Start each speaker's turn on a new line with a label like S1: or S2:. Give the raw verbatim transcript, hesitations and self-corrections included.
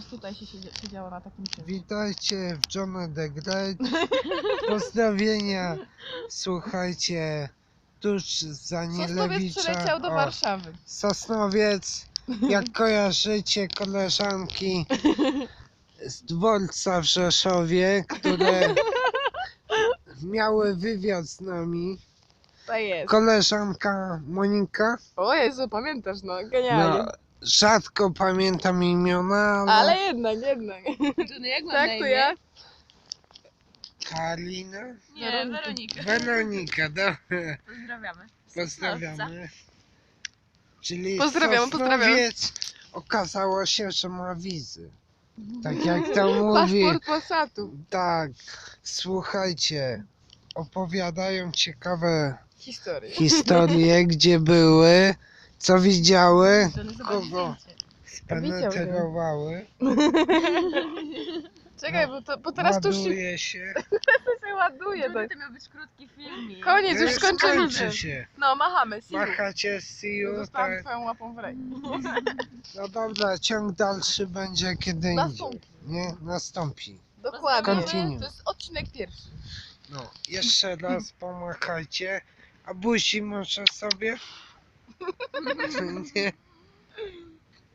S1: tutaj się siedziało na takim czymś.
S2: Witajcie w John the Great. Pozdrowienia. Słuchajcie, tuż za
S1: Sosnowiec
S2: Nielewicza.
S1: przyleciał do
S2: o,
S1: Warszawy.
S2: Sosnowiec, jak kojarzycie koleżanki z dworca w Rzeszowie, które miały wywiad z nami.
S1: To jest.
S2: Koleżanka Monika.
S1: O Jezu, pamiętasz, no, genialnie.
S2: No, rzadko pamiętam imiona, ale...
S1: Ale jednak, jednak.
S3: Johnny, jak mam
S1: Tak,
S3: na
S1: to
S3: imię?
S1: ja.
S2: Karolina?
S3: Nie, Weronika.
S2: Weronika, dobra.
S3: Pozdrawiamy.
S2: Pozdrawiamy. Czyli
S1: Pozdrawiamy, pozdrawiamy.
S2: Sosnowiec okazało się, że ma wizy. Tak jak to mówi.
S1: Paszport Passatu.
S2: Tak, słuchajcie, opowiadają ciekawe
S1: Historia.
S2: historie, gdzie były, co widziały,
S3: Johnny, zobacz
S2: kogo
S3: zdjęcie.
S2: spenetrowały.
S1: Czekaj, bo, to, bo teraz to już się,
S2: Ładuje się.
S1: się ładuje.
S3: Johnny,
S1: Tak.
S3: to miał być krótki filmik.
S1: Koniec, już skończyliśmy.
S2: Skończy się.
S1: No, machamy, see you.
S2: Machacie, see you,
S1: Zostałam
S2: tak.
S1: twoją łapą w rej.
S2: No dobra, ciąg dalszy będzie kiedy indziej.
S1: Nastąpi.
S2: Nie? Nastąpi.
S1: Dokładnie.
S2: Continue.
S1: To jest odcinek pierwszy.
S2: No, jeszcze raz pomachajcie. A buzi może sobie? Nie.